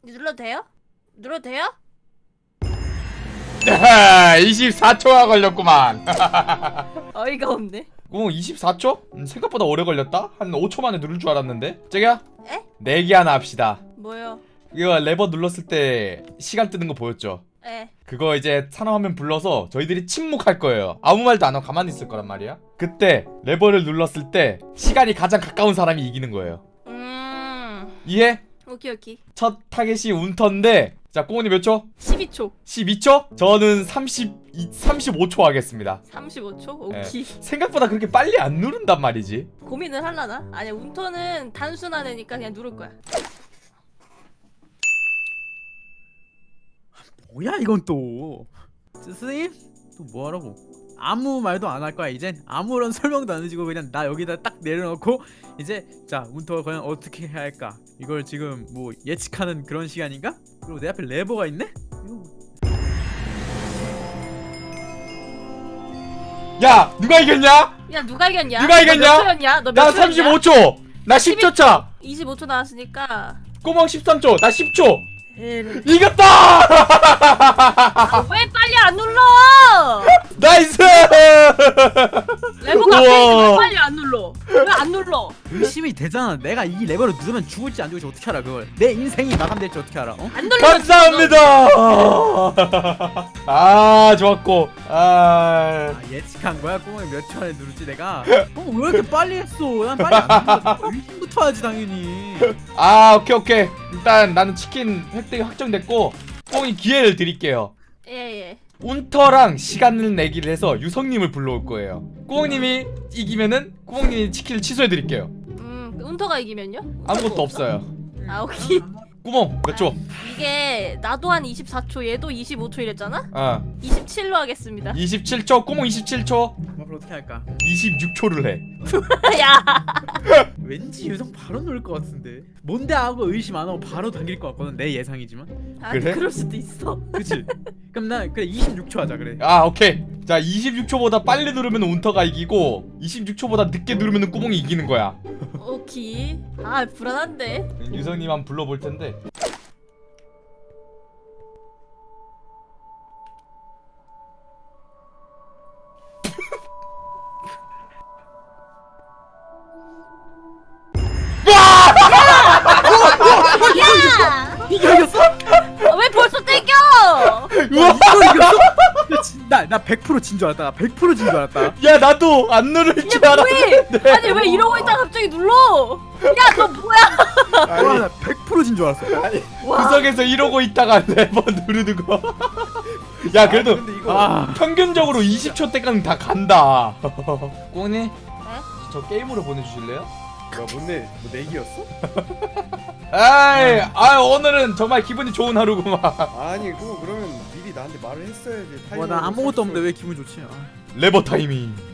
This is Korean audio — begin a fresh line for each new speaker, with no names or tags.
눌러도 돼요? 눌러도 돼요?
24초가 걸렸구만.
어이가 없네.
24초? 생각보다 오래 걸렸다? 한 5초 만에 누를 줄 알았는데? 저기야?
에?
내기 하나 합시다.
뭐요?
이거 레버 눌렀을 때 시간 뜨는 거 보였죠?
에.
그거 이제 산화화면 불러서 저희들이 침묵할 거예요. 아무 말도 안 하고 가만히 있을 거란 말이야. 그때 레버를 눌렀을 때 시간이 가장 가까운 사람이 이기는 거예요. 이해?
오케이.
첫 타겟이 운터인데, 자 꼬은이 몇 초?
12초.
12초? 저는 35초 하겠습니다.
35초?
예.
오케이.
생각보다 그렇게 빨리 안 누른단 말이지.
고민을 할라나? 아니야, 운터는 단순한 애니까 그냥 누를 거야.
뭐야 이건 또. 스님? 또 뭐하라고? 아무 말도 안 할 거야 이젠. 아무런 설명도 안 해주고 그냥 나 여기다 딱 내려놓고 이제 자 문터가 과연 어떻게 해야 할까, 이걸 지금 뭐 예측하는 그런 시간인가? 그리고 내 앞에 레버가 있네?
야 누가 이겼냐?
야, 누가 이겼냐?
누가 이겼냐?
너 몇 초였냐? 너
나
몇 초였냐?
35초. 나 10초 차.
25초 나왔으니까.
꼬멍 13초. 나 10초.
에이,
이겼다.
왜 빨리 안 눌러?
나이스.
레버가
우와.
앞에 왜 빨리 안 눌러? 왜 안 눌러?
의심이 되잖아. 내가 이 레버를 누르면 죽을지 안 죽을지 어떻게 알아 그걸. 내 인생이 마감될지 어떻게 알아? 어?
안 눌러.
감사합니다. 아 좋았고.
아, 예측한 거야? 꼬멍이 몇 초 안에 누를지 내가? 왜 이렇게 빨리 했어? 난 빨리 안 눌러. 의심부터 하지 당연히.
오케이. 일단 나는 치킨 획득이 확정됐고 꽁이 기회를 드릴게요.
예.
운터랑 시간을 내기를 해서 유성님을 불러올 거예요. 꾸멍님이 이기면은 꾸멍님이 치킨을 취소해 드릴게요.
운터가 이기면요?
아무것도 없어요.
아, 오케이.
꾸멍 몇 초?
이게 나도 한 24초, 얘도 25초 이랬잖아?
어
27로 하겠습니다.
27초. 꾸멍 27초.
앞으로 어떻게 할까?
26초를 해.
야,
왠지 유성 바로 누를 것 같은데. 뭔데 하고 의심 안 하고 바로 당길 것 같거든. 내 예상이지만.
아,
그래?
그럴 수도 있어.
그치? 그럼 나 그래 26초 하자 그래.
오케이. 자 26초보다 빨리 누르면 운터가 이기고 26초보다 늦게 누르면 꾸멍이 이기는 거야.
오케이. 아, 불안한데.
유성님 한번 불러볼 텐데.
야!
이겼어?
왜 벌써 땡겨?
우와!
이걸 이겼어? 나 100%진 줄 알았다. 나 100%진 줄 알았다.
야 나도 안 누를
이게
줄 알았는데.
뭐해? 아니, 왜 이러고 있다가 갑자기 눌러? 야, 너 뭐야?
와, 나 100%진 줄 알았어.
와.
구석에서 이러고 있다가 레버 누르는 거. 야 그래도
근데 이거
평균적으로 20초 때까지 다 간다. 꽁니 저 게임으로 보내주실래요?
뭔데 뭐 내기였어?
오늘은 정말 기분이 좋은 하루구만.
아니 그거 그러면 미리 나한테 말을 했어야지.
와, 나 아무것도 없는데 왜 기분 좋지?
레버 타이밍.